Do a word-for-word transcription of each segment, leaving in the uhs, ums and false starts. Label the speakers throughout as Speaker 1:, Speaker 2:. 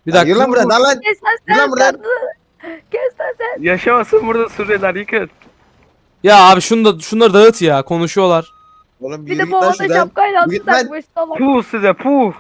Speaker 1: Bir
Speaker 2: Lan
Speaker 1: dakika.
Speaker 2: yürü lan buradan lan lan.
Speaker 3: Kes lan
Speaker 2: Yürü
Speaker 3: sen.
Speaker 2: lan buradan.
Speaker 3: Kes lan sen.
Speaker 4: Yaşamasın burada Suriyeliler yıkın.
Speaker 1: Ya abi şunu da şunları dağıt ya. Konuşuyorlar.
Speaker 2: Oğlum
Speaker 3: Bir
Speaker 2: yürü
Speaker 3: de
Speaker 2: git
Speaker 3: bu
Speaker 2: lan
Speaker 3: arada
Speaker 2: şuradan.
Speaker 3: şapkayla
Speaker 2: Yürü
Speaker 3: altı
Speaker 2: git lan.
Speaker 3: takmış salak.
Speaker 4: Puh size puh.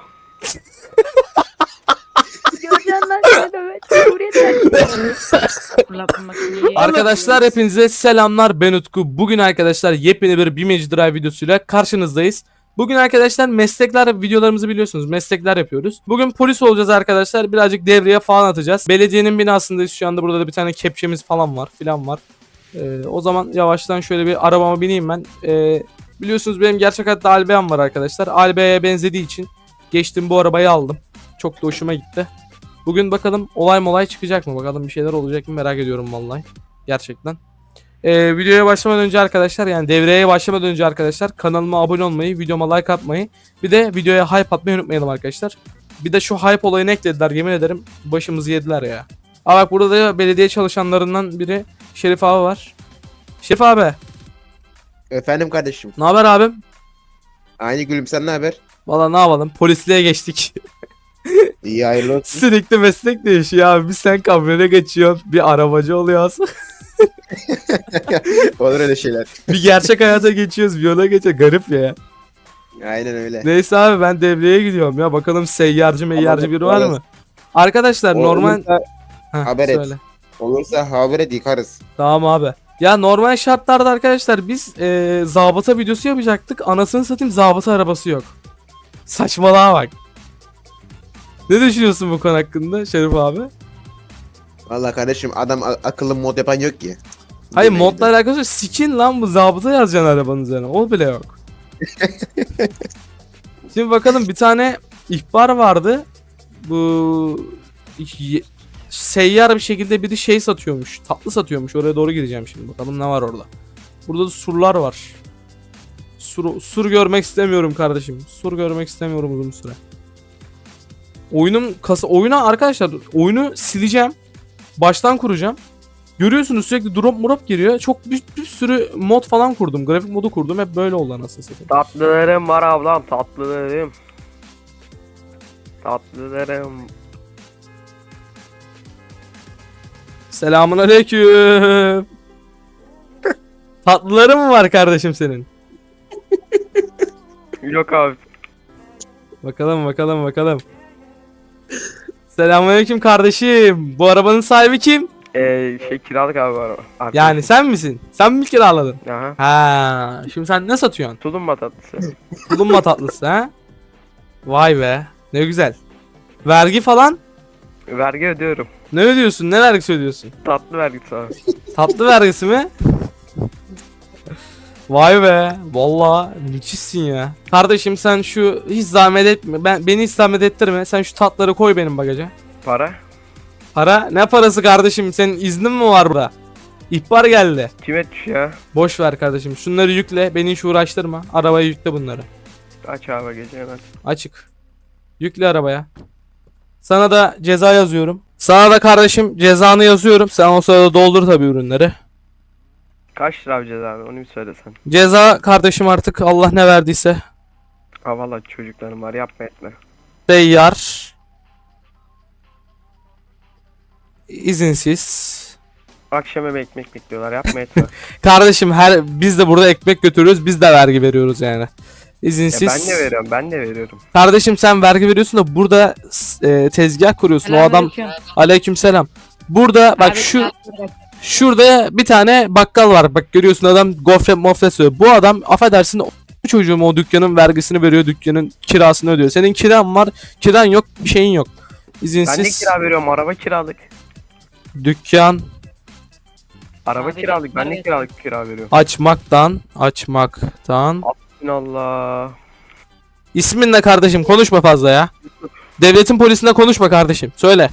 Speaker 3: Göreceksin lan seni dövet. Cumhuriyet'ten.
Speaker 5: Fırlatma makineyi.
Speaker 1: Arkadaşlar hepinize selamlar, ben Utku. Bugün arkadaşlar yepyeni bir BİM Drive videosuyla karşınızdayız. Bugün arkadaşlar meslekler videolarımızı biliyorsunuz, meslekler yapıyoruz. Bugün polis olacağız arkadaşlar, birazcık devreye falan atacağız. Belediyenin binasındayız şu anda, burada da bir tane kepçemiz falan var filan var. Ee, o zaman yavaştan şöyle bir arabama bineyim ben. Ee, biliyorsunuz benim gerçek hayatta Albeam var arkadaşlar. Albea'ya benzediği için geçtim bu arabayı aldım. Çok da hoşuma gitti. Bugün bakalım olay molay çıkacak mı? Bakalım bir şeyler olacak mı? Merak ediyorum vallahi. Gerçekten. Ee, videoya başlamadan önce arkadaşlar, yani devreye başlamadan önce arkadaşlar kanalıma abone olmayı, videoma like atmayı, bir de videoya hype atmayı unutmayalım arkadaşlar. Bir de şu hype olayını eklediler, yemin ederim başımızı yediler ya. Aa bak, burada da belediye çalışanlarından biri Şerif abi var. Şerif abi,
Speaker 2: Efendim kardeşim.
Speaker 1: ne haber abim?
Speaker 2: Aynı gülüm, sen ne haber?
Speaker 1: Valla ne yapalım, polisliğe geçtik.
Speaker 2: İyi, hayırlı olsun.
Speaker 1: Sürekli meslek değişiyor abi. Bir sen kamyona geçiyorsun, bir arabacı oluyorsun.
Speaker 2: Olur öyle şeyler.
Speaker 1: Bir gerçek hayata geçiyoruz, bir yola geçiyor. Garip ya.
Speaker 2: Aynen öyle.
Speaker 1: Neyse abi, ben devreye gidiyorum ya. Bakalım seyyarcı meyyarcı biri var mı? Arkadaşlar normal...
Speaker 2: Olursa,
Speaker 1: Heh,
Speaker 2: haber et.
Speaker 1: söyle.
Speaker 2: olursa haber et, yıkarız.
Speaker 1: Tamam abi. Ya normal şartlarda arkadaşlar biz ee, zabıta videosu yapacaktık. Anasını satayım, zabıta arabası yok. Saçmalığa bak. Ne düşünüyorsun bu konu hakkında Şerif abi?
Speaker 2: Vallahi kardeşim, adam a- akıllı mod yapan yok ki.
Speaker 1: Hayır,
Speaker 2: Demeye
Speaker 1: modla
Speaker 2: gidiyor.
Speaker 1: alakası yok. Skin lan bu, zabıta yazacaksın arabanın üzerine. O bile yok. Şimdi bakalım, bir tane ihbar vardı. Bu y- seyyar bir şekilde biri şey satıyormuş. Tatlı satıyormuş. Oraya doğru gideceğim şimdi. Bakalım ne var orada. Burada da surlar var. Sur, sur görmek istemiyorum kardeşim. Sur görmek istemiyorum uzun süre. Oyunun kasa oyuna arkadaşlar, oyunu sileceğim. Baştan kuracağım. Görüyorsunuz sürekli drop murop giriyor. Çok bir, bir sürü mod falan kurdum. Grafik modu kurdum. Hep böyle oldu anasını satayım.
Speaker 4: Tatlılarım var ablam tatlılarım. Tatlılarım.
Speaker 1: Selamun aleyküm. Tatlıları mı var kardeşim senin?
Speaker 4: Yok abi.
Speaker 1: Bakalım bakalım bakalım. Selamun aleyküm kardeşim. Bu arabanın sahibi kim?
Speaker 4: Eee şey kiralık abi var. Arkadaşım.
Speaker 1: Yani sen misin? Sen mi kiraladın?
Speaker 4: Aha.
Speaker 1: Ha, şimdi sen ne satıyorsun?
Speaker 4: Tulumba tatlısı.
Speaker 1: Tulumba tatlısı ha? Vay be. Ne güzel. Vergi falan?
Speaker 4: Vergi ödüyorum.
Speaker 1: Ne ödüyorsun? Ne vergisi ödüyorsun?
Speaker 4: Tatlı vergisi abi.
Speaker 1: Tatlı vergisi mi? Vay be. Vallahi müthişsin ya. Kardeşim sen şu hiç zahmet etme. Ben beni hiç zahmet ettirme. Sen şu tatları koy benim bagaja.
Speaker 4: Para?
Speaker 1: Para? Ne parası kardeşim? Senin iznin mi var burada? İhbar geldi.
Speaker 4: Kim etmiş ya?
Speaker 1: Boş ver kardeşim. Şunları yükle. Beni hiç uğraştırma. Arabaya yükle bunları.
Speaker 4: Aç abi gece hemen.
Speaker 1: Açık. Yükle arabaya. Sana da ceza yazıyorum. Sana da kardeşim cezanı yazıyorum. Sen o sırada doldur tabii ürünleri.
Speaker 4: Kaç lira alacağız abi onu bir söylesen.
Speaker 1: Ceza kardeşim artık Allah ne verdiyse.
Speaker 4: Ha valla çocuklarım var yapma etme.
Speaker 1: Seyyar. İzinsiz.
Speaker 4: Akşam eve ekmek bekliyorlar yapma etme.
Speaker 1: Kardeşim her biz de burada ekmek götürüyoruz. Biz de vergi veriyoruz yani.
Speaker 4: Ya
Speaker 1: İzinsiz.
Speaker 4: ben de veriyorum ben de veriyorum.
Speaker 1: Kardeşim sen vergi veriyorsun da burada e, tezgah kuruyorsun. O adam
Speaker 5: Selamünaleyküm.
Speaker 1: aleykümselam. Burada bak
Speaker 5: Abi,
Speaker 1: şu şurada bir tane bakkal var. Bak görüyorsun, adam gofret mofret söylüyor. Bu adam affedersin o çocuğum o dükkanın vergisini veriyor, dükkanın kirasını ödüyor. Senin kiran var, kiran yok, bir şeyin yok.
Speaker 4: Ben de
Speaker 1: İzinsiz
Speaker 4: kira veriyorum araba kiralık.
Speaker 1: dükkan
Speaker 4: Araba
Speaker 5: Abi,
Speaker 4: kiralık ben de
Speaker 5: evet.
Speaker 4: kiralık kira veriyorum.
Speaker 1: açmaktan açmaktan.
Speaker 4: Allah.
Speaker 1: İsmin ne kardeşim? Konuşma fazla ya. Devletin polisinde konuşma kardeşim. Söyle.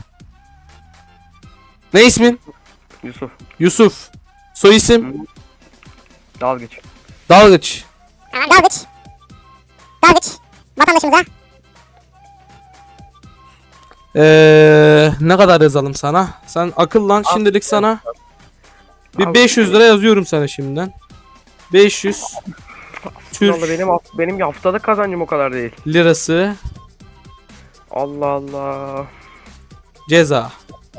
Speaker 1: Ne ismin?
Speaker 4: Yusuf
Speaker 1: Yusuf. Soy isim?
Speaker 4: dalgıç.
Speaker 1: Dalgıç.
Speaker 6: Dalgıç. Dalgıç. Vatandaşımıza.
Speaker 1: Ee, ne kadar yazalım sana? Sen akıllan, şimdilik sana bir
Speaker 4: Abi,
Speaker 1: beş yüz lira yazıyorum sana şimdiden. beş yüz Türk
Speaker 4: Vallahi benim haft- benim haftalık kazancım o kadar değil.
Speaker 1: lirası.
Speaker 4: Allah Allah.
Speaker 1: Ceza.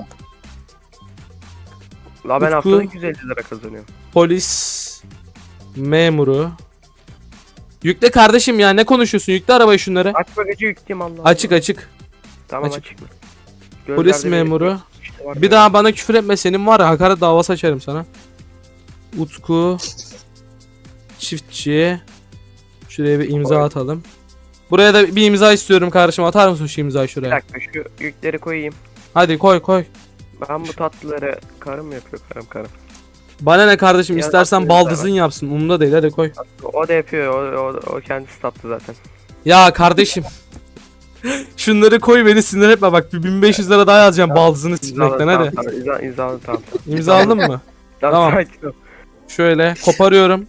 Speaker 4: La ben
Speaker 1: Utku.
Speaker 4: haftada iki yüz elli lira kazanıyorum.
Speaker 1: Polis memuru. Yükle kardeşim ya, ne konuşuyorsun? Yükle arabayı şunları.
Speaker 4: Aç bagajı yükleyeyim Allah.
Speaker 1: Açık
Speaker 4: Allah.
Speaker 1: açık.
Speaker 4: Tamam
Speaker 1: açık.
Speaker 4: açık.
Speaker 1: Polis
Speaker 4: Gözlerde bir-
Speaker 1: memuru.
Speaker 4: işte var
Speaker 1: Bir
Speaker 4: ya.
Speaker 1: daha bana küfür etme, senin var ya hakaret davası açarım sana. Utku çiftçi. Şuraya bir imza
Speaker 4: Koy.
Speaker 1: atalım. Buraya da bir imza istiyorum kardeşim, atar mısın şu imzayı
Speaker 4: Bir
Speaker 1: şuraya?
Speaker 4: dakika şu yükleri koyayım.
Speaker 1: Hadi koy koy.
Speaker 4: Ben bu tatlıları karım mı yapıyor karım karım.
Speaker 1: Bana ne kardeşim,
Speaker 4: Ya,
Speaker 1: istersen
Speaker 4: atıyorum
Speaker 1: baldızın
Speaker 4: sana.
Speaker 1: yapsın, umurumda değil, hadi koy.
Speaker 4: O da yapıyor o, o, o kendisi tatlı zaten.
Speaker 1: Ya kardeşim. Şunları koy, beni sinir etme bak, bir bin beş yüz lira daha yazacağım baldızını sikmekten, hadi.
Speaker 4: Tamam, imza, imzalı tamam.
Speaker 1: İmza aldın mı? Tamam.
Speaker 4: Tamam. Sakin ol.
Speaker 1: Şöyle koparıyorum.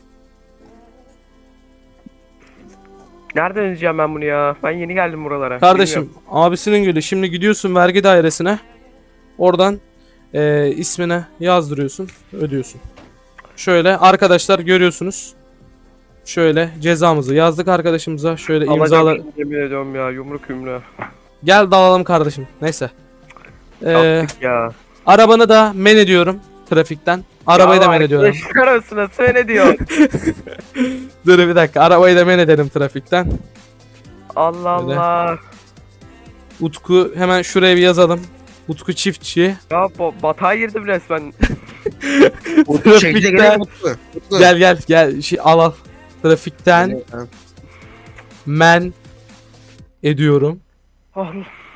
Speaker 4: Nereden ödeyeceğim ben bunu ya? Ben yeni geldim buralara.
Speaker 1: Kardeşim
Speaker 4: Bilmiyorum.
Speaker 1: abisinin gülü, şimdi gidiyorsun vergi dairesine. Oradan eee ismine yazdırıyorsun, ödüyorsun. Şöyle arkadaşlar görüyorsunuz. Şöyle cezamızı yazdık arkadaşımıza. Şöyle imzalar.
Speaker 4: Alacağım şimdi, yemin ediyorum ya yumruk yumruğa.
Speaker 1: Gel dalalım kardeşim. Neyse. Eee
Speaker 4: Yaptık ya.
Speaker 1: arabanı da men ediyorum trafikten. Arabayı da men ediyorum.
Speaker 4: Çıkar arasına söyle diyor.
Speaker 1: Dur bir dakika. Arabayı da men edelim trafikten.
Speaker 4: Allah
Speaker 1: Öyle.
Speaker 4: Allah.
Speaker 1: Utku hemen şuraya bir yazalım. Utku çiftçi.
Speaker 4: Ya bu batağa girdim resmen.
Speaker 2: Utku çekile
Speaker 1: Trafikten-
Speaker 2: gelelim Utku. Utku.
Speaker 1: Gel gel gel. Şey, al al. Trafikten
Speaker 2: Tamam.
Speaker 1: men ediyorum.
Speaker 4: Allah.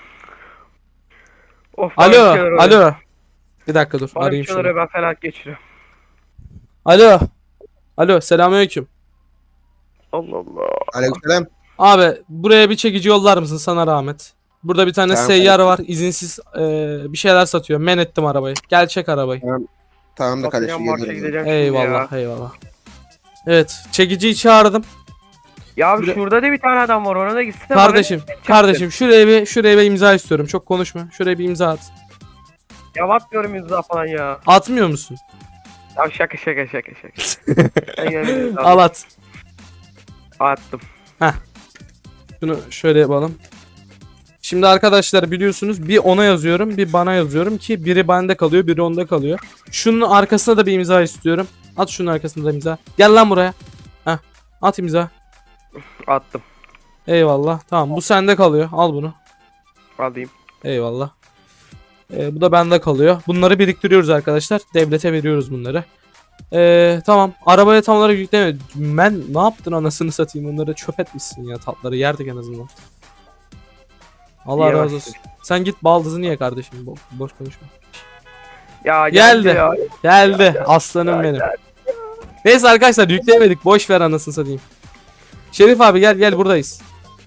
Speaker 4: Of, bana bir
Speaker 1: Alo,
Speaker 4: şeyler oluyor.
Speaker 1: alo. Bir dakika dur,
Speaker 4: Bana bir
Speaker 1: arayayım
Speaker 4: şeyler
Speaker 1: şunu.
Speaker 4: oluyor, ben felaket geçiriyorum.
Speaker 1: Alo. Alo, selamünaleyküm.
Speaker 4: Allah Allah.
Speaker 2: Aleykümselam.
Speaker 1: Abi buraya bir çekici yollar mısın, sana rahmet. Burada bir tane
Speaker 2: Tamam,
Speaker 1: seyyar var, izinsiz eee, bir şeyler satıyor. Men ettim arabayı. Gel çek arabayı.
Speaker 2: Tamam da kardeşim
Speaker 4: Satacağım, marşa
Speaker 2: geliyorum.
Speaker 4: gideceğim şimdi
Speaker 1: Eyvallah,
Speaker 4: ya.
Speaker 1: eyvallah. Evet, çekiciyi çağırdım.
Speaker 4: Ya abi
Speaker 1: Buraya-
Speaker 4: şurada da bir tane adam var, ona da gitsene.
Speaker 1: Kardeşim, kardeşim şuraya bir şuraya bir imza istiyorum. Çok konuşma. Şuraya bir imza at.
Speaker 4: Ya bakmıyorum yüzüne falan ya.
Speaker 1: Atmıyor musun?
Speaker 4: Ya şaka şaka şaka şaka. Ben yani-
Speaker 1: Al at.
Speaker 4: Attım.
Speaker 1: Şunu şöyle yapalım. Şimdi arkadaşlar biliyorsunuz bir ona yazıyorum, bir bana yazıyorum ki biri bende kalıyor, biri onda kalıyor. Şunun arkasına da bir imza istiyorum. At şunun arkasına da imza. Gel lan buraya. Heh. At imza.
Speaker 4: Attım.
Speaker 1: Eyvallah. Tamam, bu sende kalıyor. Al bunu.
Speaker 4: Alayım.
Speaker 1: Eyvallah. Ee, bu da bende kalıyor. Bunları biriktiriyoruz arkadaşlar. Devlete veriyoruz bunları. Ee, tamam. Arabaya tam olarak yükleme. Ben ne yaptın anasını satayım? Onları çöp etmişsin ya. Tatları yerdik en azından. Allah
Speaker 4: İyi
Speaker 1: razı
Speaker 4: başladık.
Speaker 1: olsun. Sen git baldızını ye kardeşim. Bo- boş konuşma.
Speaker 4: Ya
Speaker 1: Geldi.
Speaker 4: geldi. Ya.
Speaker 1: Geldi. Aslanım benim. Neyse arkadaşlar yükleyemedik. Boş ver anasını satayım. Şerif abi gel gel, buradayız.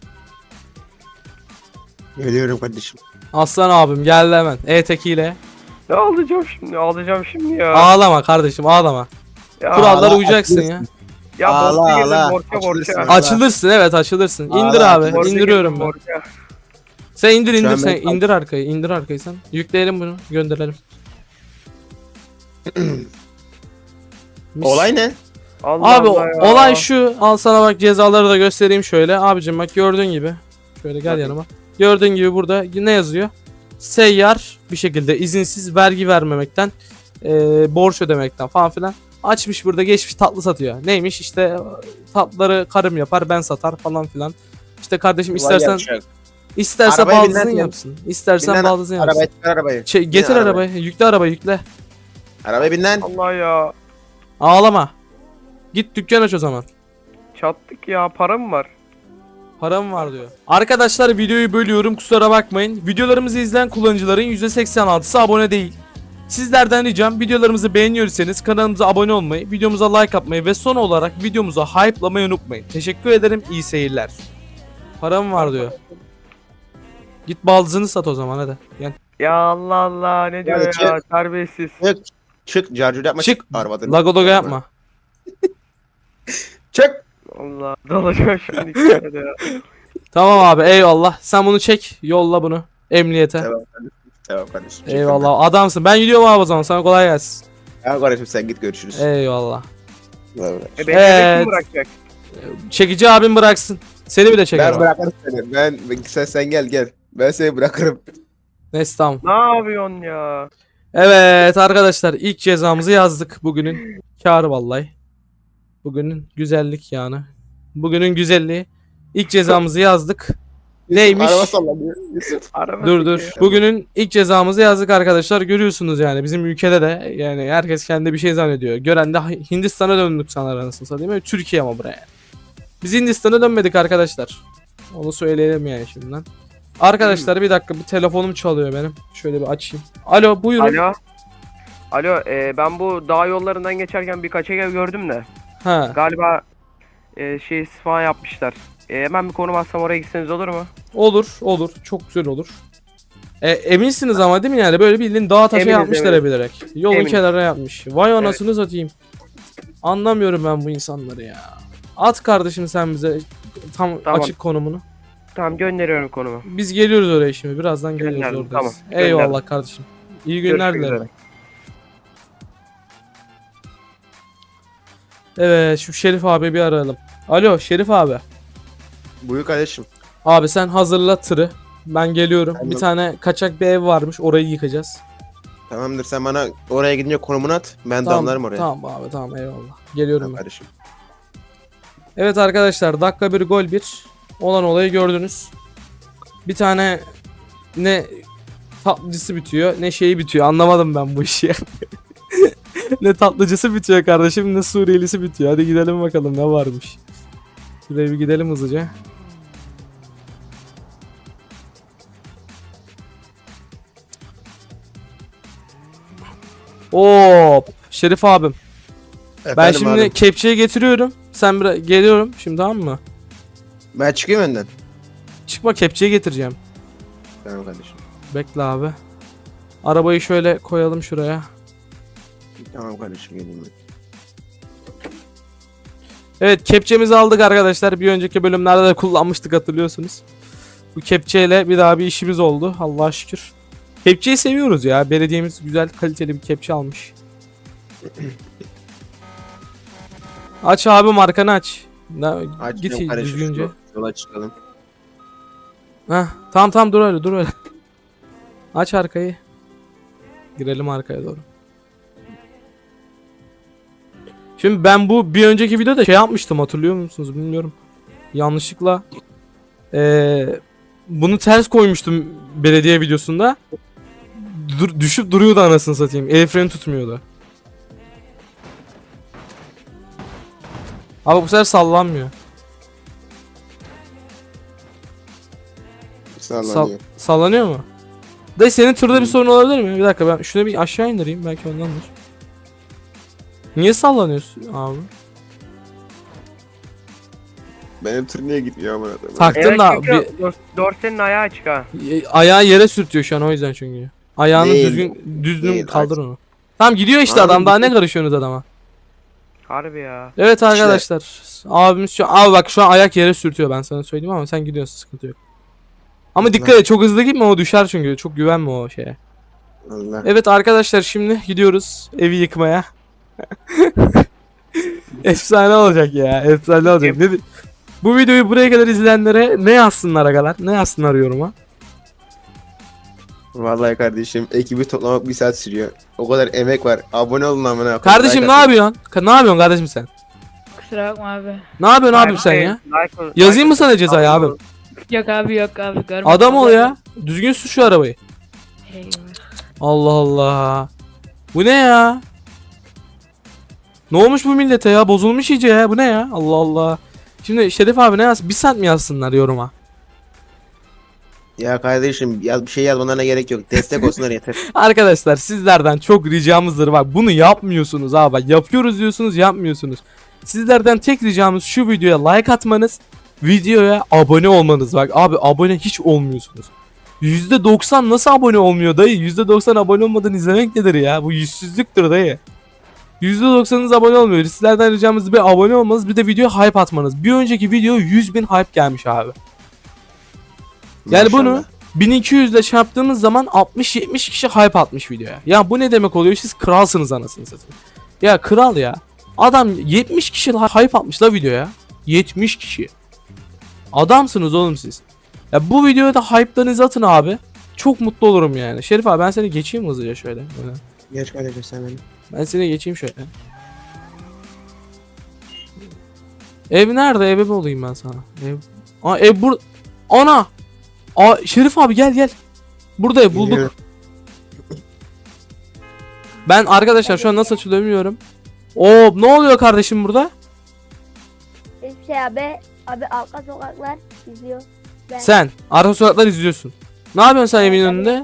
Speaker 2: Geliyorum kardeşim.
Speaker 1: Aslan abim geldi hemen. E-tekiyle.
Speaker 4: Ne alacağım şimdi? Ağlayacağım şimdi ya.
Speaker 1: Ağlama kardeşim, ağlama.
Speaker 4: ya
Speaker 1: Kurallara
Speaker 2: ağla,
Speaker 1: uyacaksın ya.
Speaker 2: açılırsın.
Speaker 4: Ya
Speaker 2: Ağla,
Speaker 4: borca girdim,
Speaker 2: ağla.
Speaker 4: borca borca.
Speaker 2: Açılırsın.
Speaker 4: Borca
Speaker 1: Açılırsın, evet açılırsın. İndir
Speaker 2: Aa,
Speaker 1: abi.
Speaker 2: borca
Speaker 1: indiriyorum
Speaker 4: girdim,
Speaker 1: ben.
Speaker 4: borca.
Speaker 1: Sen indir
Speaker 2: Şu
Speaker 1: indir
Speaker 2: an
Speaker 1: sen
Speaker 2: ben-
Speaker 1: indir arkayı, indir arkayı sen. Yükleyelim bunu, gönderelim. Mis.
Speaker 2: Olay ne?
Speaker 4: Allah
Speaker 1: Abi
Speaker 4: Allah ya.
Speaker 1: olay şu. Al sana bak cezaları da göstereyim şöyle. Abicim bak gördüğün gibi. Şöyle gel
Speaker 2: Tabii.
Speaker 1: yanıma. Gördüğün gibi burada ne yazıyor? Seyyar bir şekilde izinsiz vergi vermemekten, e, borç ödemekten falan filan. Açmış burada, geçmiş tatlı satıyor. Neymiş işte, tatlıları karım yapar ben satar falan filan. İşte kardeşim istersen isterse
Speaker 2: Arabaya
Speaker 1: baldızın
Speaker 2: binler-
Speaker 1: yapsın. İstersen
Speaker 2: Binler-
Speaker 1: baldızın yapsın.
Speaker 2: Arabaya çıkar arabayı.
Speaker 1: Şey, getir
Speaker 2: Bin
Speaker 1: arabayı. Yükle arabayı yükle.
Speaker 2: Arabaya bin lan.
Speaker 4: Allah ya.
Speaker 1: Ağlama. Git dükkan aç o zaman.
Speaker 4: Çattık ya, param var.
Speaker 1: Param var diyor. Arkadaşlar videoyu bölüyorum, kusura bakmayın. Videolarımızı izleyen kullanıcıların yüzde seksen altısı abone değil. Sizlerden ricam, videolarımızı beğeniyorsanız kanalımıza abone olmayı, videomuza like atmayı ve son olarak videomuza hype'lamayı unutmayın. Teşekkür ederim, iyi seyirler. Param var diyor. Git baldızını sat o zaman hadi. Gel.
Speaker 4: Ya Allah Allah, ne diyor
Speaker 2: Hadi
Speaker 4: ya, terbiyesiz.
Speaker 2: Çık. Çık. Carcur yapma.
Speaker 1: Çık.
Speaker 2: Arabadan.
Speaker 1: Lagodoga yapma.
Speaker 2: Çık.
Speaker 4: Allah, dalacağım şimdi iki tane de ya.
Speaker 1: Tamam abi, eyvallah. Sen bunu çek, yolla bunu emniyete.
Speaker 2: Tamam kardeşim. Tamam kardeşim. Çık
Speaker 1: Eyvallah, adamsın. Ben gidiyorum abi o zaman, sana kolay gelsin.
Speaker 2: ben. Ya kardeşim sen git görüşürüz.
Speaker 1: Eyvallah.
Speaker 2: Bay bay.
Speaker 4: E beni
Speaker 1: Evet.
Speaker 4: kim bırakacak?
Speaker 1: Çekici abim bıraksın. Seni bir de çeker.
Speaker 2: Ben
Speaker 1: o.
Speaker 2: bırakırım seni. Ben sen, sen gel gel. Ben seni bırakırım.
Speaker 1: Neyse tamam.
Speaker 4: Ne yapıyorsun ya?
Speaker 1: Evet arkadaşlar ilk cezamızı yazdık bugünün. Kâr vallahi. Bugünün güzellik yani. Bugünün güzelliği. İlk cezamızı yazdık. Neymiş?
Speaker 2: Araba sallanıyor. Yusuf.
Speaker 4: Araba
Speaker 1: Dur dur.
Speaker 4: sekiyor.
Speaker 1: Bugünün ilk cezamızı yazdık arkadaşlar. Görüyorsunuz yani bizim ülkede de yani herkes kendi bir şey zannediyor. Gören de Hindistan'a döndük sanır anasını satayım. Değil mi? Türkiye ama buraya. Biz Hindistan'a dönmedik arkadaşlar. Onu söyleyelim yani şimdiden. Arkadaşlar bir dakika bir telefonum çalıyor benim. Şöyle bir açayım. Alo buyurun.
Speaker 4: Alo. Alo e, ben bu dağ yollarından geçerken birkaç ev gördüm de.
Speaker 1: Ha.
Speaker 4: Galiba e, şey isfa yapmışlar. E, hemen bir konum atsam oraya gitseniz olur mu?
Speaker 1: Olur olur. Çok güzel olur. E, eminsiniz ama değil mi yani? Böyle bildiğin dağ taşa
Speaker 4: Eminiz,
Speaker 1: yapmışlar
Speaker 4: eminiz.
Speaker 1: bilerek. Yolun
Speaker 4: Eminiz.
Speaker 1: kenarına yapmış. Vay anasını satayım. Anlamıyorum ben bu insanları ya. At kardeşim sen bize tam
Speaker 4: Tamam.
Speaker 1: açık konumunu.
Speaker 4: Tamam gönderiyorum konumu.
Speaker 1: Biz geliyoruz oraya şimdi. Birazdan geliyoruz
Speaker 4: Gönderdim,
Speaker 1: oradayız.
Speaker 4: tamam.
Speaker 1: Eyvallah
Speaker 4: Gönderdim.
Speaker 1: kardeşim. İyi günler
Speaker 4: Görüşmek
Speaker 1: dilerim.
Speaker 4: üzere.
Speaker 1: Evet şu Şerif abi bir arayalım. Alo Şerif abi.
Speaker 2: Buyur kardeşim.
Speaker 1: Abi sen hazırla tırı. Ben geliyorum.
Speaker 2: Tamam.
Speaker 1: Bir tane kaçak bir ev varmış. Orayı yıkacağız.
Speaker 2: Tamamdır, sen bana oraya gidince konumunu at. Ben
Speaker 1: Tamam,
Speaker 2: damlarım oraya.
Speaker 1: tamam abi tamam eyvallah. Geliyorum
Speaker 2: Tamam
Speaker 1: ben.
Speaker 2: kardeşim.
Speaker 1: Evet arkadaşlar dakika bir gol bir. Olan olayı gördünüz. Bir tane ne tatlıcısı bitiyor ne şeyi bitiyor. Anlamadım ben bu işi. Ne tatlıcısı bitiyor kardeşim ne Suriyelisi bitiyor. Hadi gidelim bakalım ne varmış. Şuraya bir gidelim hızlıca. Hop Şerif abim. Ben
Speaker 2: Efendim
Speaker 1: şimdi
Speaker 2: abi.
Speaker 1: kepçeyi getiriyorum. Sen bir geliyorum şimdi tamam mı?
Speaker 2: Ben çıkayım önden.
Speaker 1: Çıkma kepçeyi getireceğim.
Speaker 2: Tamam kardeşim.
Speaker 1: Bekle abi. Arabayı şöyle koyalım şuraya.
Speaker 2: Tamam kardeşim, geleyim ben.
Speaker 1: Evet kepçemizi aldık arkadaşlar. Bir önceki bölümlerde de kullanmıştık hatırlıyorsunuz. Bu kepçeyle bir daha bir işimiz oldu. Allah'a şükür. Kepçeyi seviyoruz ya. Belediyemiz güzel kaliteli bir kepçe almış. Aç abi markanı aç. Na,
Speaker 2: Açacağım
Speaker 1: git
Speaker 2: kardeşim,
Speaker 1: düzgünce.
Speaker 2: yola- Yola çıkalım.
Speaker 1: Heh, tamam tamam dur öyle dur öyle. Aç arkayı. Girelim arkaya doğru. Şimdi ben bu bir önceki videoda şey yapmıştım hatırlıyor musunuz bilmiyorum. Yanlışlıkla eee, bunu ters koymuştum belediye videosunda. Dur, düşüp duruyordu anasını satayım. El freni tutmuyordu. Abi bu sefer sallanmıyor.
Speaker 2: Sallanıyor.
Speaker 1: Sallanıyor mu? Dayı senin tırda bir sorun olabilir mi? Bir dakika ben şunu bir aşağı indireyim belki ondandır. Niye sallanıyorsun abi?
Speaker 2: Benim tır niye gitmiyor amına koyayım?
Speaker 1: Taktın
Speaker 4: Evet
Speaker 1: da
Speaker 4: çünkü
Speaker 1: bir
Speaker 4: dor- dorsenin ayağı açık ha.
Speaker 1: ayağı yere sürtüyor şu an o yüzden çünkü. Ayağını
Speaker 2: Değil,
Speaker 1: düzgün düzgün
Speaker 2: değil,
Speaker 1: kaldır
Speaker 2: aç.
Speaker 1: onu. Tamam gidiyor işte
Speaker 2: Abi
Speaker 1: adam daha
Speaker 2: gitti.
Speaker 1: ne karışıyorsunuz adama?
Speaker 4: Harbi ya.
Speaker 1: Evet arkadaşlar. Abimiz şu abi bak şu an ayak yere sürtüyor ben sana söyleyeyim ama sen gidiyorsun sıkıntı yok. Ama dikkat et çok hızlı gitme o düşer çünkü çok güvenme o şeye.
Speaker 2: Allah.
Speaker 1: Evet arkadaşlar şimdi gidiyoruz evi yıkmaya. Efsane olacak ya. Efsane olacak. Ne, di- bu videoyu buraya kadar izleyenlere ne yazsınlar agalar? Ne yazsınlar yoruma?
Speaker 2: Vallahi kardeşim, ekibi toplamak bir saat sürüyor. O kadar emek var. Abone olun amına koyayım.
Speaker 1: Kardeşim
Speaker 2: Like
Speaker 1: ne
Speaker 2: atın.
Speaker 1: yapıyorsun? Ka- ne yapıyorsun kardeşim sen?
Speaker 5: Kusura bakma abi.
Speaker 1: Ne yapıyorsun abim
Speaker 4: Like-
Speaker 1: sen ya?
Speaker 4: like-
Speaker 1: Yazayım mı
Speaker 4: like-
Speaker 1: sana cezayı abim?
Speaker 5: Yok abi yok abi görmedim.
Speaker 1: Adam ol ya. Düzgün sür şu arabayı.
Speaker 5: Eyvah.
Speaker 1: Allah Allah. Bu ne ya? Ne olmuş bu millete ya? Bozulmuş iyice ya. Bu ne ya? Allah Allah. Şimdi Şerif abi ne yaz? Bir saat mi yazsınlar yoruma?
Speaker 2: Ya kardeşim, yaz, bir şey yazmalarına gerek yok. Destek olsunlar yeter.
Speaker 1: Arkadaşlar sizlerden çok ricamızdır. Bak bunu yapmıyorsunuz abi. Bak, yapıyoruz diyorsunuz yapmıyorsunuz. Sizlerden tek ricamız şu videoya like atmanız. Videoya abone olmanız. Bak abi abone hiç olmuyorsunuz. yüzde doksan nasıl abone olmuyor dayı? yüzde doksan abone olmadan izlemek nedir ya? Bu yüzsüzlüktür dayı. yüzde doksanınız abone olmuyor. Sizlerden ricamız bir abone olmanız bir de videoya hype atmanız. Bir önceki video yüz bin hype gelmiş abi. Yani bunu
Speaker 2: Maşallah.
Speaker 1: bin iki yüz ile çarptığımız zaman altmış yetmiş kişi hype atmış videoya. Ya bu ne demek oluyor? Siz kralsınız anasını satayım. Ya kral ya. Adam yetmiş kişi hype atmış la videoya. yetmiş kişi. Adamsınız oğlum siz. Ya bu videoya da hype'larınızı atın abi. çok mutlu olurum yani. Şerif abi ben seni geçeyim hızlıca şöyle. Böyle.
Speaker 2: Geç kardeşim sen beni.
Speaker 1: Ben seni geçeyim şöyle. Ev nerede? Eve mi olayım ben sana? Ev. Aa ev bur. Ana. Aa Şerif abi gel gel. Burada ev bulduk.
Speaker 2: Geliyorum.
Speaker 1: Ben arkadaşlar şu an nasıl açılıyor bilmiyorum. Oo ne oluyor kardeşim burada?
Speaker 3: Hiçbir şey abi. Abi arka sokaklar izliyor. Ben.
Speaker 1: Sen arka sokaklar izliyorsun. Ne yapıyorsun sen evin önünde?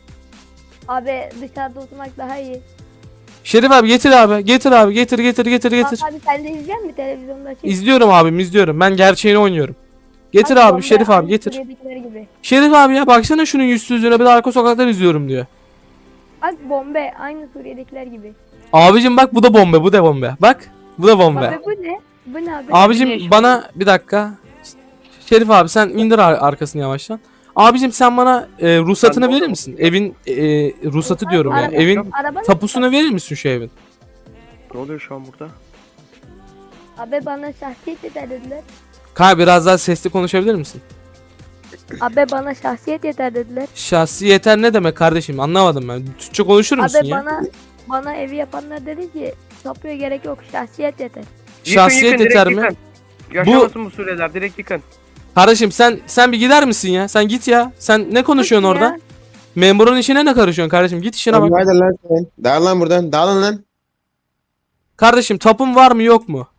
Speaker 3: Abi dışarıda oturmak daha iyi.
Speaker 1: Şerif abi getir abi. Getir abi. Getir getir getir getir.
Speaker 3: Bak abi sen de izleyen mi televizyonda? Şey?
Speaker 1: İzliyorum abim izliyorum. Ben gerçeğini oynuyorum. Getir
Speaker 3: Bak,
Speaker 1: abi
Speaker 3: bomba
Speaker 1: Şerif abi
Speaker 3: aynı
Speaker 1: getir.
Speaker 3: Suriye'dekiler gibi.
Speaker 1: Şerif abi ya baksana şunun yüzsüzlüğüne bir de arka sokaklar izliyorum diyor.
Speaker 3: Bak bombe aynı Suriye'dekiler gibi.
Speaker 1: Abicim bak bu da bombe bu da bombe. Bak bu da bombe.
Speaker 3: Abi bu ne? Bu ne abi?
Speaker 1: Abicim
Speaker 5: Güneş
Speaker 1: bana bir dakika. Şerif abi sen indir ar- arkasını yavaştan. Abicim sen bana e, ruhsatını
Speaker 4: Ben de
Speaker 1: verir
Speaker 4: oldum.
Speaker 1: misin? Evin e, ruhsatı diyorum ya.
Speaker 3: Araba-
Speaker 1: Evin
Speaker 3: Araba
Speaker 1: tapusunu verir misin şu evin?
Speaker 4: Ne oluyor şu an burada?
Speaker 3: Abi bana şahsiyet yeter dediler.
Speaker 1: Kanka biraz daha sesli konuşabilir misin?
Speaker 3: Abi bana şahsiyet yeter dediler.
Speaker 1: Şahsi yeter ne demek kardeşim anlamadım ben. Türkçe konuşur musun
Speaker 3: Abi
Speaker 1: ya?
Speaker 3: bana bana evi yapanlar dedi ki tapuya gerek yok şahsiyet yeter.
Speaker 1: Şahsiyet
Speaker 4: direkt
Speaker 1: yeter mi?
Speaker 4: yıkın. Yaşamasın bu süreler direkt yıkın.
Speaker 1: Kardeşim sen sen bir gider misin ya? Sen git ya. Sen ne konuşuyorsun
Speaker 3: Ya,
Speaker 1: orada? Memurun işine ne karışıyorsun kardeşim? Git işine
Speaker 2: Abi
Speaker 1: bak.
Speaker 2: hadi lan sen. Dağıl lan buradan. Dağılın lan.
Speaker 1: Kardeşim tapun var mı yok mu?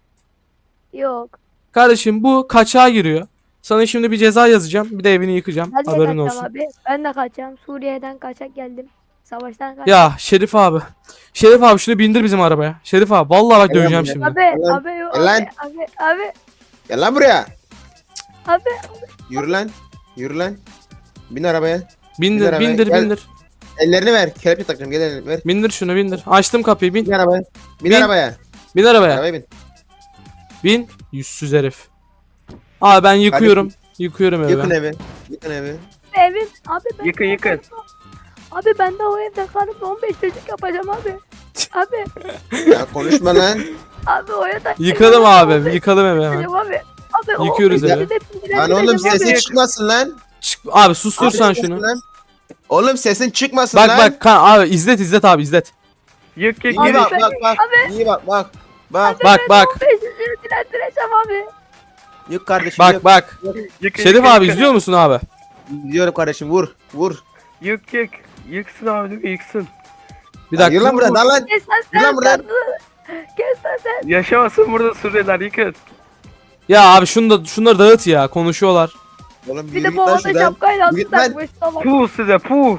Speaker 3: Yok.
Speaker 1: Kardeşim bu kaçağa giriyor. Sana şimdi bir ceza yazacağım. Bir de evini yıkacağım.
Speaker 3: Ben de
Speaker 1: Haberin
Speaker 3: kaçacağım
Speaker 1: olsun.
Speaker 3: abi. Ben de kaçacağım. Suriye'den kaçak geldim. Savaştan kaçtım.
Speaker 1: Ya Şerif abi. Şerif abi şunu bindir bizim arabaya. Şerif abi vallahi bak
Speaker 2: Gel lan
Speaker 1: döveceğim
Speaker 2: buraya.
Speaker 1: şimdi.
Speaker 3: Abi
Speaker 2: Lan,
Speaker 3: abi yok
Speaker 2: gel lan.
Speaker 3: abi, abi abi
Speaker 2: Gel lan buraya.
Speaker 3: abi
Speaker 2: Yürü lan. Yürü lan. Bin arabaya.
Speaker 1: Bindir
Speaker 2: arabaya,
Speaker 1: bindir
Speaker 2: gel.
Speaker 1: bindir.
Speaker 2: Ellerini ver. Kelepçe takacağım. Gel elini ver.
Speaker 1: Bindir şunu bindir. Açtım kapıyı bin.
Speaker 2: Bin arabaya. Bin,
Speaker 1: Bin.
Speaker 2: arabaya.
Speaker 1: Bin arabaya.
Speaker 2: Arabaya bin.
Speaker 1: Bin. Yüzsüz herif. Abi ben yıkıyorum. Yıkıyorum
Speaker 2: Yıkın
Speaker 1: evi.
Speaker 2: evi. Yıkın evi.
Speaker 3: evim abi ben
Speaker 4: Yıkın, yıkın.
Speaker 3: Abi ben de o evde kalıp on beş çocuk yapacağım abi. Abi
Speaker 2: Ya konuşma lan.
Speaker 3: abi o evde
Speaker 1: Yıkalım abi. Yıkalım evi hemen.
Speaker 3: yapacağım abi. Abi o
Speaker 1: Yıkıyoruz
Speaker 3: on beş
Speaker 1: evi.
Speaker 3: çocuk hepsini
Speaker 2: Lan oğlum
Speaker 3: bilendireceğim
Speaker 2: sesin
Speaker 3: abi.
Speaker 2: çıkmasın lan.
Speaker 1: Çık abi sustur
Speaker 2: Abi
Speaker 1: sen
Speaker 2: sesin
Speaker 1: şunu.
Speaker 2: lan. Oğlum sesin çıkmasın
Speaker 1: Bak
Speaker 2: lan.
Speaker 1: bak kan abi izlet izlet abi izlet.
Speaker 4: Yık yık
Speaker 2: İyi
Speaker 4: yık.
Speaker 2: bak bak bak. İyi bak bak. Bak.
Speaker 1: Bak bak.
Speaker 3: on beş çocuğu dilendireceğim abi.
Speaker 2: Yık kardeşim.
Speaker 1: Bak
Speaker 2: yık.
Speaker 1: bak.
Speaker 4: Yık,
Speaker 1: Şerif
Speaker 4: yık,
Speaker 1: abi
Speaker 4: yık.
Speaker 1: izliyor musun abi?
Speaker 2: Gidiyorum kardeşim vur. Vur.
Speaker 4: Yık yık. Yıksın abi değil mi? Yıksın.
Speaker 1: Bir
Speaker 2: Yürü
Speaker 1: dakika.
Speaker 2: lan buradan. Dal lan.
Speaker 3: Kes lan
Speaker 2: Yürü lan
Speaker 3: sen.
Speaker 2: buradan.
Speaker 3: Kes lan sen.
Speaker 4: Yaşamasın burada süreler yıkın.
Speaker 1: Ya abi şunu da şunları dağıt ya konuşuyorlar.
Speaker 2: Oğlum
Speaker 3: Bir
Speaker 2: yürü
Speaker 3: de
Speaker 2: git
Speaker 3: bu
Speaker 2: lan
Speaker 3: havada
Speaker 2: şuradan.
Speaker 3: şapkayla
Speaker 2: Yürü
Speaker 3: altı
Speaker 2: git lan.
Speaker 3: takmış salak.
Speaker 4: Puh size puh.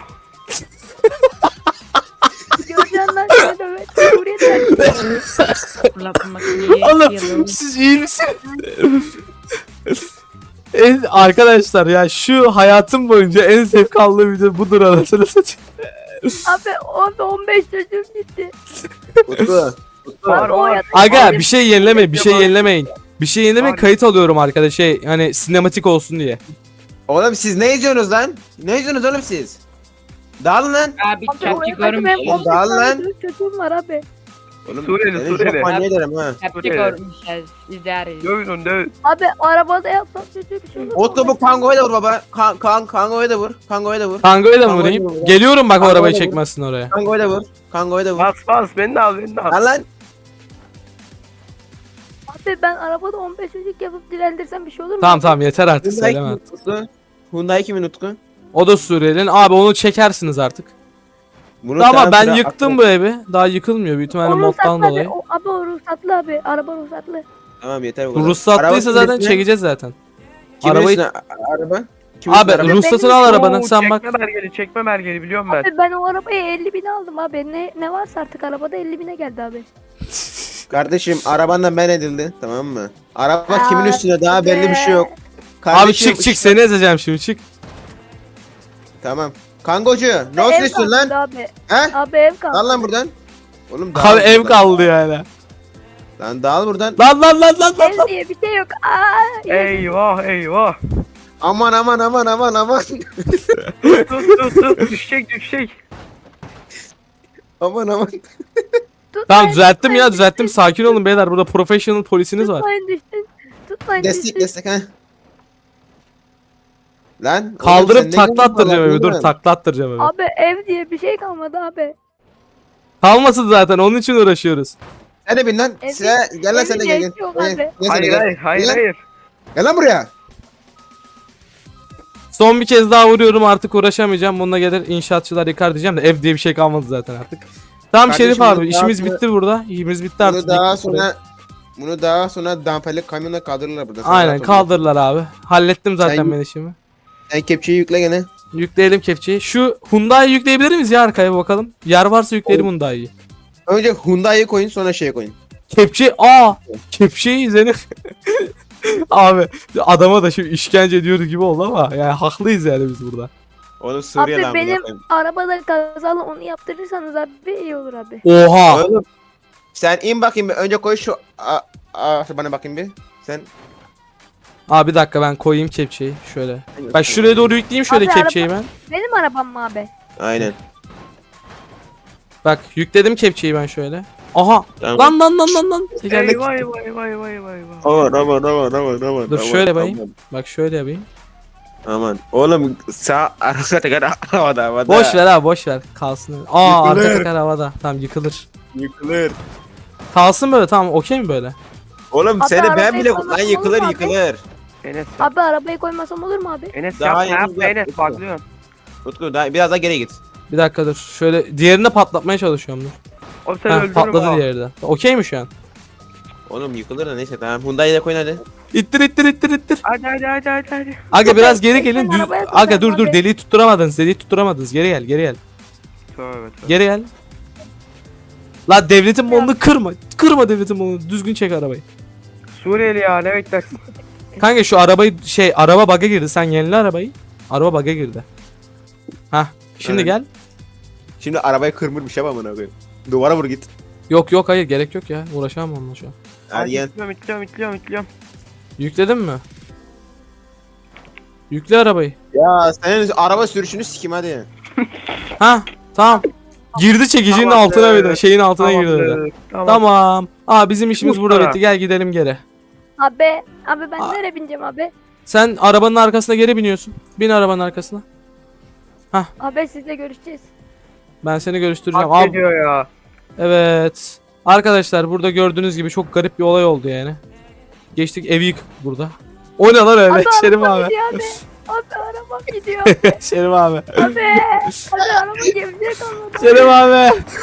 Speaker 3: Göreceksin lan seni dövet. Suriye'den.
Speaker 5: Fırlatma makineyi
Speaker 1: Oğlum
Speaker 5: yalım.
Speaker 1: siz iyi misiniz? En, arkadaşlar ya şu hayatım boyunca en zevk aldığım video budur anasını satayım.
Speaker 3: Abi orada on beş çocuğum gitti.
Speaker 2: Utku.
Speaker 4: Var
Speaker 3: O
Speaker 4: var.
Speaker 3: ya-
Speaker 1: Aga bir şey yenilemeyin bir şey
Speaker 4: Var.
Speaker 1: yenilemeyin. Bir şey yenilemeyin
Speaker 4: Var.
Speaker 1: kayıt alıyorum arkadaş şey hani sinematik olsun diye.
Speaker 2: Oğlum siz ne izliyorsunuz lan? Ne izliyorsunuz oğlum siz? Dağılın lan.
Speaker 5: Abi
Speaker 3: Abi
Speaker 5: çapçı
Speaker 3: orada benim
Speaker 5: görmüş.
Speaker 3: on beş
Speaker 2: Dağıl lan.
Speaker 3: tane çocuğum var abi.
Speaker 2: Oğlum,
Speaker 4: Suriyeli,
Speaker 2: seni
Speaker 4: Suriyeli.
Speaker 2: çok manyak ederim ha.
Speaker 5: Çapçı
Speaker 4: Suriyeli.
Speaker 5: görmüşüz. İzleriz.
Speaker 4: Dövün onu dövün.
Speaker 3: Abi arabada yapsam çocuğu bir şey olur mu?
Speaker 2: Utku bu Kango'ya da vur baba. Kan, kan, Kango'ya da vur. Kango'ya da vur.
Speaker 1: Kango'ya da mı
Speaker 2: Kango'ya
Speaker 1: vurayım?
Speaker 2: da vur.
Speaker 1: Geliyorum bak o
Speaker 2: Kango'ya
Speaker 1: arabayı
Speaker 2: da vur.
Speaker 1: çekmezsin oraya.
Speaker 2: Kango'ya da vur. Kango'ya da vur.
Speaker 4: Bas bas beni de al beni de al.
Speaker 2: Lan lan.
Speaker 3: Abi ben arabada on beş çocuk yapıp dilendirsem bir şey olur mu?
Speaker 1: Tamam tamam yeter artık
Speaker 2: Hyundai
Speaker 1: söyleme.
Speaker 2: kimin Utku? Hyundai kimin Utku?
Speaker 1: O da Suriyeli'nin. Abi onu çekersiniz artık.
Speaker 2: Bunu
Speaker 1: Ama
Speaker 2: sen
Speaker 1: ben
Speaker 2: sıra-
Speaker 1: yıktım bu evi. Daha yıkılmıyor büyük ihtimalle
Speaker 3: O
Speaker 1: moddan
Speaker 3: ruhsatlı abi.
Speaker 1: dolayı.
Speaker 3: O, abi o ruhsatlı abi. Araba ruhsatlı.
Speaker 2: Tamam yeter bu kadar.
Speaker 1: Ruhsatlıysa
Speaker 2: Araba
Speaker 1: zaten
Speaker 2: kimin
Speaker 1: çekeceğiz zaten.
Speaker 2: üstüne? Kimin
Speaker 1: arabayı-
Speaker 2: üstüne? A- Araba? Kimin
Speaker 1: Abi
Speaker 2: üstüne araba?
Speaker 1: ruhsatını al arabanın
Speaker 4: Oo,
Speaker 1: sen bak.
Speaker 4: Çekme belgeli çekme belgeli biliyorum ben.
Speaker 3: Abi ben o arabayı elli bine aldım abi. Ne ne varsa artık arabada elli bine geldi abi.
Speaker 2: Kardeşim arabandan ben edildi tamam mı? Araba
Speaker 3: Aa,
Speaker 2: kimin üstüne daha belli bir şey yok.
Speaker 1: Abi
Speaker 2: Kardeşim,
Speaker 1: çık çık seni ezeceğim şimdi çık.
Speaker 2: Tamam. Kangocu ne
Speaker 3: Ev
Speaker 2: olsun istiyorsun
Speaker 3: kaldı
Speaker 2: lan?
Speaker 3: Abi.
Speaker 2: He?
Speaker 3: Abi ev kaldı.
Speaker 2: Dal lan buradan. Oğlum dağıl
Speaker 1: Abi ev
Speaker 2: buradan.
Speaker 1: kaldı yani.
Speaker 2: Lan dağıl buradan.
Speaker 1: Lan lan lan lan lan.
Speaker 3: Ev diye bir şey yok. Aa,
Speaker 4: Eyvah eyvah.
Speaker 2: Aman aman aman aman aman.
Speaker 4: Tut tut tut düşecek düşecek.
Speaker 2: aman aman.
Speaker 3: tutmayın,
Speaker 1: Tamam düzelttim
Speaker 3: tutmayın,
Speaker 1: ya düzelttim. Sakin olun beyler. Burada professional polisiniz var.
Speaker 3: Tutmayın düştün. Tutmayın
Speaker 2: Destek
Speaker 3: düştün.
Speaker 2: destek ha. Lan. oğlum
Speaker 1: Kaldırıp
Speaker 2: sen ne
Speaker 1: takla
Speaker 2: diyorsun
Speaker 1: attıracağım
Speaker 2: lan
Speaker 1: evi. Dur
Speaker 2: oğlum?
Speaker 1: takla attıracağım evi.
Speaker 3: Abi ev diye bir şey kalmadı abi.
Speaker 1: Kalmasın zaten onun için uğraşıyoruz.
Speaker 2: Sen de bin lan.
Speaker 3: Ev-
Speaker 2: Sen, gel lan sen de gel. Gel,
Speaker 3: evin yok
Speaker 2: gel,
Speaker 3: abi.
Speaker 2: gel sen de
Speaker 4: Hayır
Speaker 2: gel.
Speaker 4: hayır hayır
Speaker 2: Gel.
Speaker 4: hayır.
Speaker 2: Gel lan buraya.
Speaker 1: Son bir kez daha vuruyorum artık uğraşamayacağım. Bununla gelir inşaatçılar yıkar diyeceğim de ev diye bir şey kalmadı zaten artık. Tamam
Speaker 2: Kardeşim,
Speaker 1: Şerif
Speaker 2: bunu
Speaker 1: abi
Speaker 2: daha
Speaker 1: işimiz
Speaker 2: sonra-
Speaker 1: bitti burada. İşimiz bitti artık.
Speaker 2: Bunu daha
Speaker 1: Diktik buraya.
Speaker 2: sonra bunu daha sonra damperli kamyonla kaldırırlar burada. Sana
Speaker 1: Aynen
Speaker 2: rahat ol.
Speaker 1: kaldırırlar abi. Hallettim zaten
Speaker 2: Sen-
Speaker 1: ben işimi.
Speaker 2: Sen kepçeyi yükle gene.
Speaker 1: Yükleyelim kepçeyi. Şu Hyundai'yi yükleyebilir miyiz ya arkaya bir bakalım. Yer varsa yükleyelim Hyundai'yi.
Speaker 2: Önce Hyundai'yi koyun sonra şeye koyun.
Speaker 1: Kepçe aa kepçeyi izlenir. Abi adama da şimdi işkence ediyoruz gibi oldu ama yani haklıyız yani biz burada.
Speaker 2: Oğlum Suriye
Speaker 3: Abi
Speaker 2: lan
Speaker 3: benim
Speaker 2: koyayım.
Speaker 3: arabada kazalı onu yaptırırsanız abi iyi olur abi.
Speaker 1: Oha.
Speaker 2: Oğlum sen in bakayım bir. Önce koy şu a, a, bana bakayım bir. Sen
Speaker 1: Abi bir dakika ben koyayım kepçeyi şöyle. Ben şuraya doğru yükleyeyim şöyle
Speaker 3: Abi
Speaker 1: kepçeyi ben.
Speaker 3: Benim arabam mı abi?
Speaker 2: Aynen.
Speaker 1: Bak yükledim kepçeyi ben şöyle. Aha.
Speaker 2: Tamam.
Speaker 1: Lan lan lan lan lan. Tekerlek.
Speaker 4: Eyvah eyvah eyvah eyvah eyvah eyvah.
Speaker 2: Aman aman aman aman aman.
Speaker 1: Dur
Speaker 2: aman,
Speaker 1: şöyle
Speaker 2: aman,
Speaker 1: bayım. Bak şöyle yapayım.
Speaker 2: Aman. Oğlum sağ arka teker havada havada.
Speaker 1: Boş ver abi boş ver. Kalsın. Aa arka
Speaker 2: Yıkılır.
Speaker 1: teker havada. Tamam yıkılır.
Speaker 2: Yıkılır.
Speaker 1: Kalsın böyle tamam okey mi böyle?
Speaker 2: Oğlum
Speaker 3: Abi
Speaker 2: seni ben
Speaker 3: arabayı
Speaker 2: bile
Speaker 3: koymasam
Speaker 2: lan
Speaker 3: olur
Speaker 2: yıkılır
Speaker 3: mu abi?
Speaker 2: yıkılır.
Speaker 4: Enes
Speaker 3: Abi arabayı koymasam olur mu abi?
Speaker 4: Enes
Speaker 2: Daha
Speaker 4: yapma
Speaker 2: yeni
Speaker 4: yapma
Speaker 2: yap,
Speaker 4: Enes
Speaker 2: Utku.
Speaker 4: patlıyorsun.
Speaker 2: Utku daha biraz daha geri git.
Speaker 1: Bir dakika dur. Şöyle diğerini de patlatmaya çalışıyorum dur.
Speaker 4: O seni
Speaker 1: Heh,
Speaker 4: öldürür
Speaker 1: patladı
Speaker 4: ha.
Speaker 1: diğeri de. Okey mi şu an?
Speaker 2: Oğlum yıkılır da neyse tamam. Hyundai'yi de koyun hadi.
Speaker 1: İttir ittir ittir ittir.
Speaker 4: Hadi hadi hadi hadi hadi.
Speaker 1: Aga biraz geri
Speaker 3: Ben
Speaker 1: gelin. Düz...
Speaker 3: arabaya
Speaker 1: Aga dur
Speaker 3: koyacağım
Speaker 1: dur
Speaker 3: abi.
Speaker 1: deliği tutturamadınız. Deliği tutturamadınız. Geri gel geri gel.
Speaker 4: Tövbe tövbe.
Speaker 1: Geri gel. La devletin malını kırma. Kırma devletin malını. Düzgün çek arabayı.
Speaker 4: Suriyeli ya ne beklersin?
Speaker 1: Kanka şu arabayı şey araba bug'a girdi. Sen yenile arabayı. Araba bug'a girdi. Hah. Şimdi
Speaker 2: Evet.
Speaker 1: gel.
Speaker 2: Şimdi arabayı kırmır bir şey yapamam koyayım. Duvara vur git.
Speaker 1: Yok yok hayır gerek yok ya. Uğraşamam onunla şu an.
Speaker 2: Hadi gel.
Speaker 4: İtliyorum itliyorum itliyorum itliyorum.
Speaker 1: Yükledin mi? Yükle arabayı.
Speaker 2: Ya senin araba sürüşünü sikim hadi.
Speaker 1: Ha tamam. Girdi çekicinin
Speaker 4: Tamamdır.
Speaker 1: altına bir de. Şeyin altına girdi. bir de.
Speaker 4: Tamamdır, Tamam.
Speaker 1: Tamam. Aa bizim işimiz
Speaker 4: Bu
Speaker 1: burada
Speaker 4: kadar.
Speaker 1: bitti. Gel gidelim geri.
Speaker 3: Abi abi ben
Speaker 1: Aa.
Speaker 3: nereye bineceğim abi?
Speaker 1: Sen arabanın arkasına geri biniyorsun. Bin arabanın arkasına.
Speaker 3: Abi sizle görüşeceğiz.
Speaker 1: Ben seni görüştüreceğim.
Speaker 4: Hak
Speaker 1: Abi,
Speaker 4: ediyor ya.
Speaker 1: evet. Arkadaşlar burada gördüğünüz gibi çok garip bir olay oldu yani. Geçtik evi yık burada. O ne lan öyle?
Speaker 3: Abi
Speaker 1: Şerif
Speaker 3: araba
Speaker 1: abi.
Speaker 3: gidiyor abi. Abi arabam gidiyor.
Speaker 1: Şerif abi.
Speaker 3: Abi. Abi araba gemide kalmadı.
Speaker 1: Şerif abi.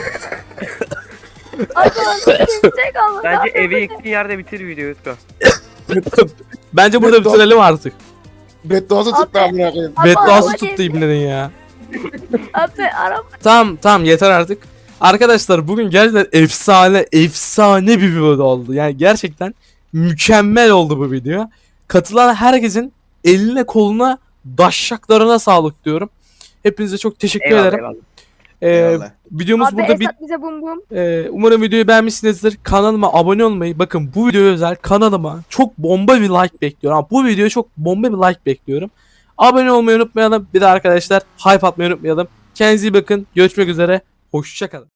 Speaker 3: Abi araba gemide kalmadı.
Speaker 4: Bence
Speaker 3: Abi,
Speaker 4: evi
Speaker 3: abi.
Speaker 4: yıktığın yerde bitir videoyu Utku.
Speaker 1: Bence burada bitirelim artık.
Speaker 2: Bedduası
Speaker 3: tuttu
Speaker 2: tuttu amına koyayım.
Speaker 3: Abi,
Speaker 1: Bedduası
Speaker 3: araba
Speaker 1: tuttu
Speaker 3: gemide.
Speaker 1: ibnenin ya.
Speaker 3: Abi araba.
Speaker 1: Tamam tamam yeter artık. Arkadaşlar bugün gerçekten efsane efsane bir video oldu. Yani gerçekten mükemmel oldu bu video. Katılan herkesin eline koluna daşşaklarına sağlık diyorum. Hepinize çok teşekkür
Speaker 4: Eyvallah
Speaker 1: ederim.
Speaker 4: eyvallah.
Speaker 1: Ee,
Speaker 2: Eyvallah.
Speaker 1: videomuz
Speaker 3: Abi
Speaker 1: burada bit.
Speaker 3: Esat bize bum bum.
Speaker 1: Ee, umarım videoyu beğenmişsinizdir. Kanalıma abone olmayı, bakın bu videoya özel kanalıma çok bomba bir like bekliyorum. Ama bu videoya çok bomba bir like bekliyorum. Abone olmayı unutmayalım. Bir de arkadaşlar hype atmayı unutmayalım. Kendinize iyi bakın. Görüşmek üzere. Hoşçakalın.